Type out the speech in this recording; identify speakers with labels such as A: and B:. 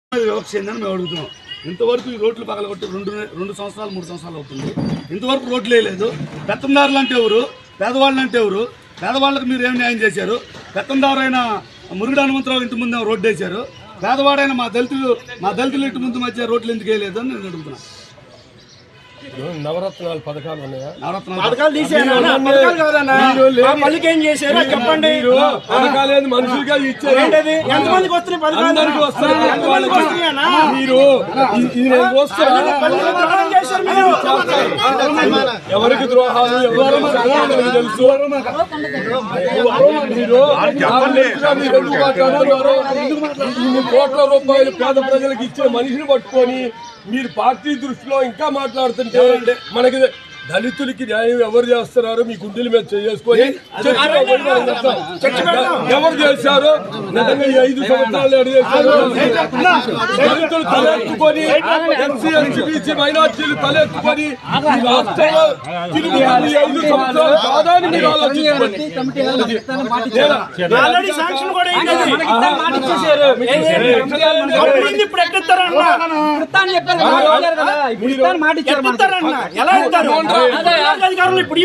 A: వివక్ష ఏందని మేము అడుగుతున్నాం. ఇంతవరకు ఈ రోడ్లు పగలగొట్టి రెండు సంవత్సరాలు 3 సంవత్సరాలు అవుతుంది. ఇంతవరకు రోడ్లు వేయలేదు. పెత్తందారులు అంటే ఎవరు, పేదవాళ్ళు అంటే ఎవరు? పేదవాళ్ళకి మీరు ఏం న్యాయం చేశారు? పెత్తందారైన మురుగుడు హనుమంతరావు ఇంటి ముందు రోడ్డు వేశారు. పేదవాడైన మా దళితులు ఇంటి ముందు మధ్య రోడ్లు ఎందుకు వేయలేదు అని నేను అడుగుతున్నాను.
B: నవరత్నాలు పథకాలు ఉన్నాయా?
C: పథకాలు తీసేనా? పథకాలు కాదన్నా, మళ్ళీ ఏం చేశారో చెప్పండి.
B: పథకాలు మనుషులుగా ఇచ్చారు.
C: ఎంతమందికి వస్తున్నాయి పథకాలు?
B: అందరికీ వస్తాయి.
C: ఎంతమందికి వస్తున్నాయన్నా?
B: మీరు ఎవరికి ద్రోహాలు ఎవరికి తెలుసు. మీరు ఇన్ని కోట్ల రూపాయలు పేద ప్రజలకు ఇచ్చే మనిషిని పట్టుకొని మీరు పార్టీ దృష్టిలో ఇంకా మాట్లాడుతుంటే మనకి దళితులకి న్యాయం ఎవరు చేస్తున్నారు? మీ గుండెల మీద చేసుకొని ఎవరు చేశారు? నిజంగా ఈ 5 సంవత్సరాలు దళితులు తలెత్తుకొని ఎస్సీ ఎస్టీ బీసీ మైనార్టీలు తలెత్తుకొని ఈ రాష్ట్రంలో తిరిగి 5 సంవత్సరాలు కాదని మీరు ఆలోచించుకోండి.
C: అధికారులు ఇప్పుడు